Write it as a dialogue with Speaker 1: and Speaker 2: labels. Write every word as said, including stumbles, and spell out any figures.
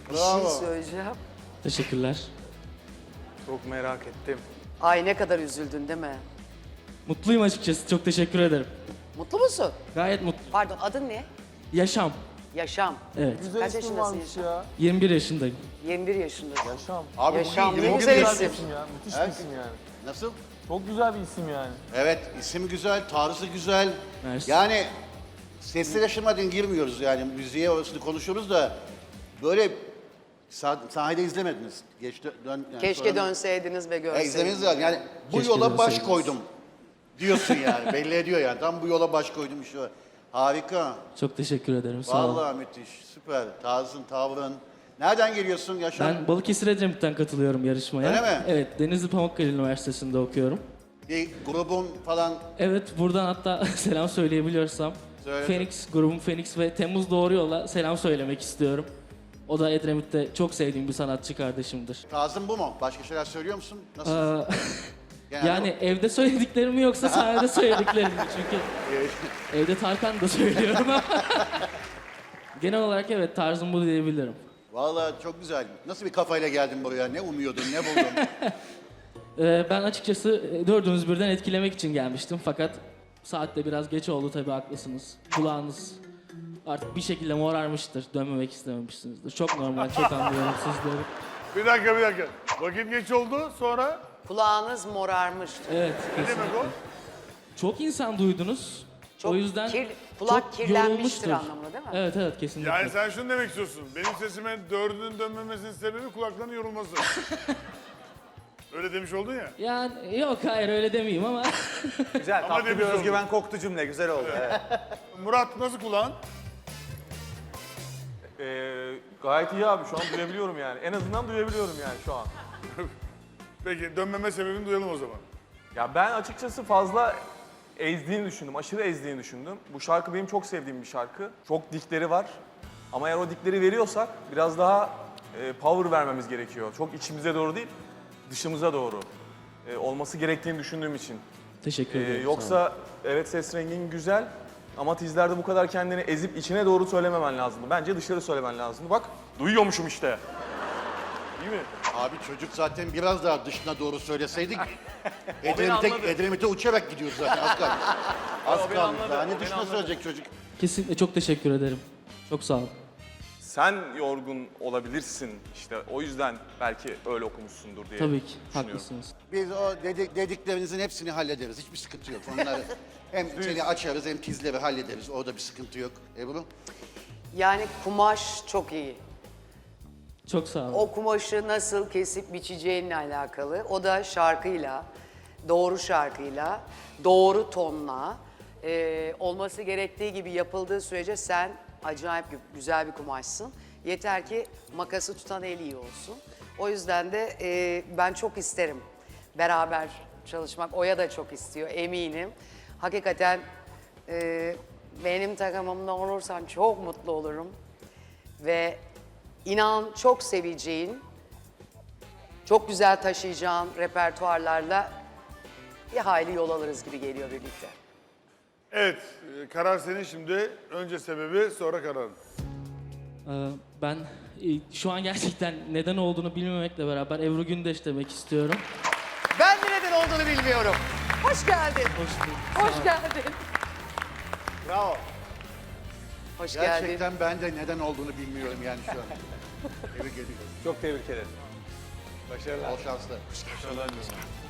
Speaker 1: Bir
Speaker 2: Bravo.
Speaker 1: şey söyleyeceğim.
Speaker 3: Teşekkürler.
Speaker 2: Çok merak ettim.
Speaker 1: Ay ne kadar üzüldün değil mi?
Speaker 3: Mutluyum açıkçası. Çok teşekkür ederim.
Speaker 1: Mutlu musun?
Speaker 3: Gayet mutlu.
Speaker 1: Pardon adın ne?
Speaker 3: Yaşam.
Speaker 1: Yaşam.
Speaker 3: Evet.
Speaker 4: Güzel
Speaker 1: Kaç
Speaker 4: isim
Speaker 1: yaşındasın
Speaker 4: varmış
Speaker 1: Yaşam?
Speaker 4: ya.
Speaker 3: yirmi bir yaşındayım.
Speaker 1: yirmi bir yaşındasın.
Speaker 4: Yaşam.
Speaker 2: Abi
Speaker 1: Yaşam
Speaker 2: bugün
Speaker 1: ne
Speaker 2: yirmi bir
Speaker 1: güzel
Speaker 2: yaş-
Speaker 1: isim.
Speaker 4: İsim ya. Müthiş
Speaker 2: Evet.
Speaker 4: bir isim yani.
Speaker 2: Nasıl?
Speaker 4: Çok güzel bir isim yani.
Speaker 2: Evet, isim güzel, tarzı güzel.
Speaker 3: Mersi.
Speaker 2: Yani sesli yaşamadan girmiyoruz yani müziğe orasını konuşuyoruz da böyle sah sahnede izlemediniz. Geç dö- dön, yani
Speaker 1: Keşke
Speaker 2: sonra-
Speaker 1: dönseydiniz ve
Speaker 2: Ya
Speaker 1: görseydiniz.
Speaker 2: izlemeniz lazım. Yani bu
Speaker 3: Keşke
Speaker 2: yola baş
Speaker 3: dönseydiniz.
Speaker 2: koydum diyorsun yani. Belli ediyor yani. Tam bu yola baş koydum şu. Harika.
Speaker 3: Çok teşekkür ederim. Sağ olun.
Speaker 2: Vallahi müthiş. Süper. Tarzın, tavrın. Nereden geliyorsun Yaşar?
Speaker 3: Ben Balıkesir Edremit'ten katılıyorum yarışmaya.
Speaker 2: Öyle mi?
Speaker 3: Evet. Denizli Pamukkale Üniversitesi'nde okuyorum.
Speaker 2: Bir grubun falan
Speaker 3: Evet. Buradan hatta selam söyleyebiliyorsam.
Speaker 2: Söyle.
Speaker 3: Phoenix, grubum Phoenix ve Temmuz Doğru Yol'a selam söylemek istiyorum. O da Edremit'te çok sevdiğim bir sanatçı kardeşimdir.
Speaker 2: tarzın bu mu? Başka şeyler söylüyor musun? Nasıl?
Speaker 3: Aa,
Speaker 2: Genelde
Speaker 3: yani evde söylediklerim mi yoksa sahnede söylediklerim mi? Çünkü evde Tarkan da söylüyorum ama genel olarak evet tarzım bu diyebilirim.
Speaker 2: Vallahi çok güzel. Nasıl bir kafayla geldin buraya? Ne umuyordun, ne buldun?
Speaker 3: Ee, ben açıkçası e, dördünüz birden etkilemek için gelmiştim fakat saat de biraz geç oldu tabii haklısınız. Kulağınız artık bir şekilde morarmıştır, dönmemek istememişsinizdir. Çok normal, çok anlıyorum sizleri.
Speaker 5: Bir dakika bir dakika. Vakit geç oldu sonra
Speaker 1: Kulağınız morarmıştı.
Speaker 3: Evet,
Speaker 5: ne demek o?
Speaker 3: çok insan duydunuz.
Speaker 1: Çok
Speaker 3: o yüzden
Speaker 1: kir- kulak
Speaker 3: çok
Speaker 1: kirlenmiştir
Speaker 3: yorulmuştur.
Speaker 1: anlamında değil mi?
Speaker 3: Evet evet kesinlikle.
Speaker 5: Yani sen şunu demek istiyorsun. Benim sesime dördünün dönmemesinin sebebi kulaklarının yorulması. Öyle demiş oldun ya.
Speaker 3: Yani yok hayır öyle demeyeyim ama
Speaker 6: Güzel,
Speaker 5: Ama
Speaker 6: tatlı bir
Speaker 5: demiş
Speaker 6: özgüven koktu cümle. Güzel oldu. Evet.
Speaker 5: Murat nasıl kulağın?
Speaker 4: Ee, gayet iyi abi. Şu an duyabiliyorum yani. En azından duyabiliyorum yani şu an.
Speaker 5: Peki dönmeme sebebini duyalım o zaman.
Speaker 4: Ya ben açıkçası fazla ezdiğini düşündüm. Aşırı ezdiğini düşündüm. Bu şarkı benim çok sevdiğim bir şarkı. Çok dikleri var. Ama eğer o dikleri veriyorsak biraz daha e, power vermemiz gerekiyor. Çok içimize doğru değil, dışımıza doğru e, olması gerektiğini düşündüğüm için.
Speaker 3: teşekkür
Speaker 4: Ee,
Speaker 3: ederim. sağ olun.
Speaker 4: yoksa evet ses rengin güzel ama tizlerde bu kadar kendini ezip içine doğru söylememen lazımdı. Bence dışarı söylemen lazımdı. Bak duyuyormuşum işte. Değil mi?
Speaker 2: Abi çocuk zaten biraz daha dışına doğru söyleseydik.
Speaker 4: beni
Speaker 2: Edremit'e,
Speaker 4: anladı.
Speaker 2: Edremit'e uçarak gidiyoruz zaten. Az kaldı. Az
Speaker 4: beni
Speaker 2: kaldı.
Speaker 4: anladı,
Speaker 2: Daha
Speaker 4: o
Speaker 2: ne
Speaker 4: beni
Speaker 2: dışına
Speaker 4: anladı.
Speaker 2: söyleyecek çocuk?
Speaker 3: Kesinlikle çok teşekkür ederim. Çok sağ olun.
Speaker 4: Sen yorgun olabilirsin işte o yüzden belki öyle okumuşsundur diye
Speaker 3: Tabii ki
Speaker 4: düşünüyorum.
Speaker 3: haklısınız.
Speaker 2: Biz o dedi- dediklerinizin hepsini hallederiz. Hiçbir sıkıntı yok. Onları hem seni açarız hem tizleri hallederiz. Orada bir sıkıntı yok. Ebru?
Speaker 1: Yani kumaş çok iyi.
Speaker 3: Çok sağ olun.
Speaker 1: O kumaşı nasıl kesip biçeceğinle alakalı. O da şarkıyla, doğru şarkıyla, doğru tonla e, olması gerektiği gibi yapıldığı sürece sen acayip gü- güzel bir kumaşsın. Yeter ki makası tutan el iyi olsun. O yüzden de e, ben çok isterim beraber çalışmak. Oya da çok istiyor eminim. Hakikaten e, benim takımımda olursan çok mutlu olurum. Ve inan çok seveceğin, çok güzel taşıyacağın repertuarlarla bir hayli yol alırız gibi geliyor birlikte.
Speaker 5: Evet, e, karar senin şimdi. Önce sebebi, sonra kararın.
Speaker 3: Ee, ben e, şu an gerçekten neden olduğunu bilmemekle beraber Ebru Gündeş demek istiyorum.
Speaker 1: Ben de neden olduğunu bilmiyorum. Hoş geldin.
Speaker 3: Hoş bulduk.
Speaker 1: Hoş geldin.
Speaker 2: Bravo.
Speaker 1: Hoş geldin.
Speaker 2: Gerçekten ben de neden olduğunu bilmiyorum yani şu an. Tebrik ediyorum.
Speaker 6: Çok tebrik ederim.
Speaker 2: Bol şanslar.